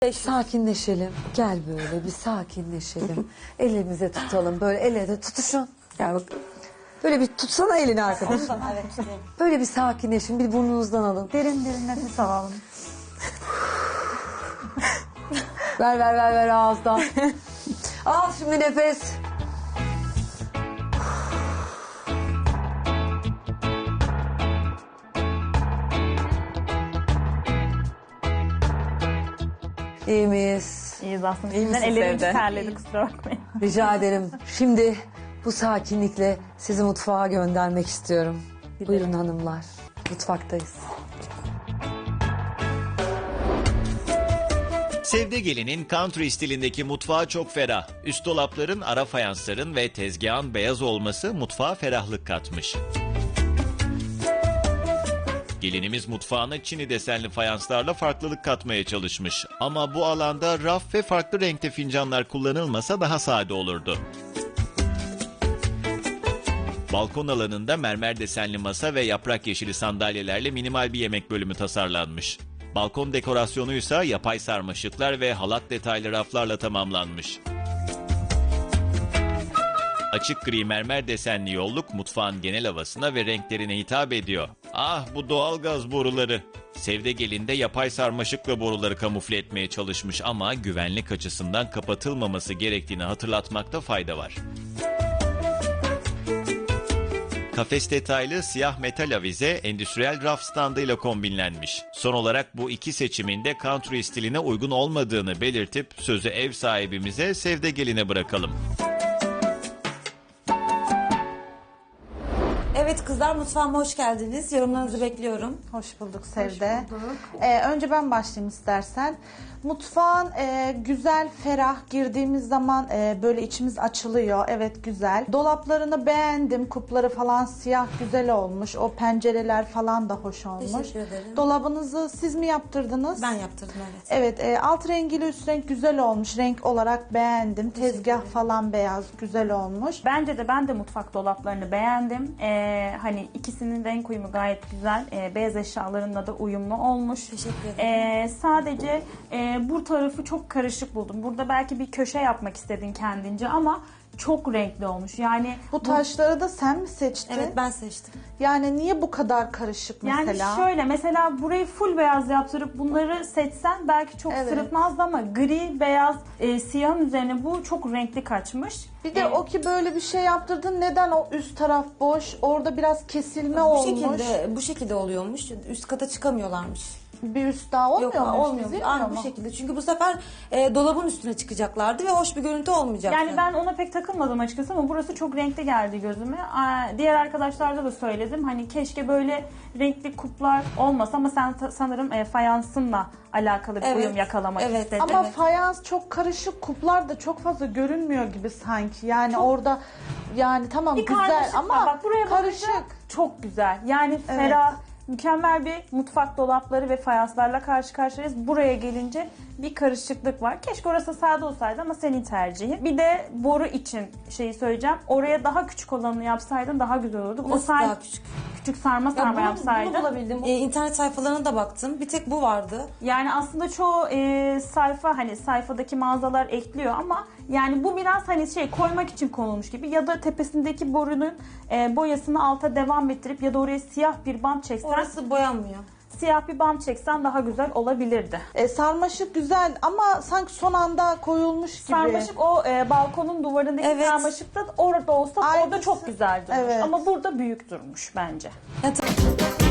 Sakinleşelim. Gel böyle bir sakinleşelim. Elimize tutalım. Böyle el ele tutuşun. Gel bak. Böyle bir tutsana elini arkadaşım. Evet, tutayım. Böyle bir sakinleşin. Bir burnunuzdan alın. Derin derin nefes alalım. Ver ağızdan. Al şimdi nefes. İyi miyiz? İyiyiz aslında. İyi misin Ellerim Sevde? terledi, kusura bakmayın. Rica ederim. Şimdi bu sakinlikle sizi mutfağa göndermek istiyorum. Buyurun hanımlar. Mutfaktayız. Sevde Gelin'in country stilindeki mutfağı çok ferah. Üst dolapların, ara fayansların ve tezgahın beyaz olması mutfağa ferahlık katmış. Gelinimiz mutfağına çini desenli fayanslarla farklılık katmaya çalışmış. Ama bu alanda raf ve farklı renkte fincanlar kullanılmasa daha sade olurdu. Balkon alanında mermer desenli masa ve yaprak yeşili sandalyelerle minimal bir yemek bölümü tasarlanmış. Balkon dekorasyonuysa yapay sarmaşıklar ve halat detaylı raflarla tamamlanmış. Açık gri mermer desenli yolluk mutfağın genel havasına ve renklerine hitap ediyor. Ah, bu doğalgaz boruları. Sevde Gelin de yapay sarmaşıkla boruları kamufle etmeye çalışmış ama güvenlik açısından kapatılmaması gerektiğini hatırlatmakta fayda var. Kafes detaylı siyah metal avize endüstriyel raf standıyla kombinlenmiş. Son olarak bu iki seçimin de country stiline uygun olmadığını belirtip sözü ev sahibimize Sevde Gelin'e bırakalım. Evet kızlar, mutfağıma hoş geldiniz. Yorumlarınızı bekliyorum. Hoş bulduk Sevde. Önce ben başlayayım istersen. Mutfağın güzel, ferah, girdiğimiz zaman böyle içimiz açılıyor. Evet, güzel. Dolaplarını beğendim. Kupları falan siyah, güzel olmuş. O pencereler falan da hoş olmuş. Teşekkür ederim. Dolabınızı siz mi yaptırdınız? Ben yaptırdım, evet. Evet, alt rengiyle üst renk güzel olmuş. Renk olarak beğendim. Tezgah falan beyaz, güzel olmuş. Bence de ben de mutfak dolaplarını beğendim. Hani ikisinin renk uyumu gayet güzel. Beyaz eşyalarınla da uyumlu olmuş. Teşekkür ederim. Sadece bu tarafı çok karışık buldum. Burada belki bir köşe yapmak istedin kendince ama çok renkli olmuş. Yani Bu taşları da sen mi seçtin? Evet, ben seçtim. Yani niye bu kadar karışık mesela? yani şöyle mesela burayı full beyaz yaptırıp bunları seçsen belki çok Evet. sırıtmazdı ama gri, beyaz, siyahın üzerine bu çok renkli kaçmış. Bir de o ki böyle bir şey yaptırdın, neden o üst taraf boş? Orada biraz kesilme Bu olmuş. bu şekilde oluyormuş. Üst kata çıkamıyorlarmış. Bir üst daha olmuyor Yok, mu? olmuyor. Çizilmiyor Aynı mu? bu şekilde. Çünkü bu sefer dolabın üstüne çıkacaklardı ve hoş bir görüntü olmayacaktı. Yani ben ona pek takılmadım açıkçası ama burası çok renkli geldi gözüme. Diğer arkadaşlarda da söyledim. Hani keşke böyle renkli kuplar olmasa ama sen sanırım fayansınla alakalı bir Evet, uyum yakalamak evet. istedin. Ama Evet. fayans çok karışık, kuplar da çok fazla görünmüyor gibi sanki. Yani orada yani tamam bir güzel karmaşık ama var. Bak buraya karışık. bakınca çok güzel. Yani ferah, mükemmel bir mutfak dolapları ve fayanslarla karşı karşıyayız. Buraya gelince bir karışıklık var. Keşke orası sade olsaydı ama senin tercihin. Bir de boru için şeyi söyleyeceğim. Oraya daha küçük olanını yapsaydın daha güzel olurdu. Nasıl daha küçük? Küçük sarma Bunu yapsaydın. bulabildim. İnternet sayfalarına da baktım. Bir tek bu vardı. Yani aslında çoğu sayfa hani sayfadaki mağazalar ekliyor ama yani bu biraz hani şey koymak için konulmuş gibi ya da tepesindeki borunun boyasını alta devam ettirip ya da oraya siyah bir bant çeksen, Orası boyanmıyor. siyah bir bant çeksen daha güzel olabilirdi. Sarmaşık güzel ama sanki son anda koyulmuş gibi. Sarmaşık o balkonun duvarındaki Evet. sarmaşık da orada olsa orada Aynısı. çok güzel durmuş. Evet. Ama burada büyük durmuş bence. Ya,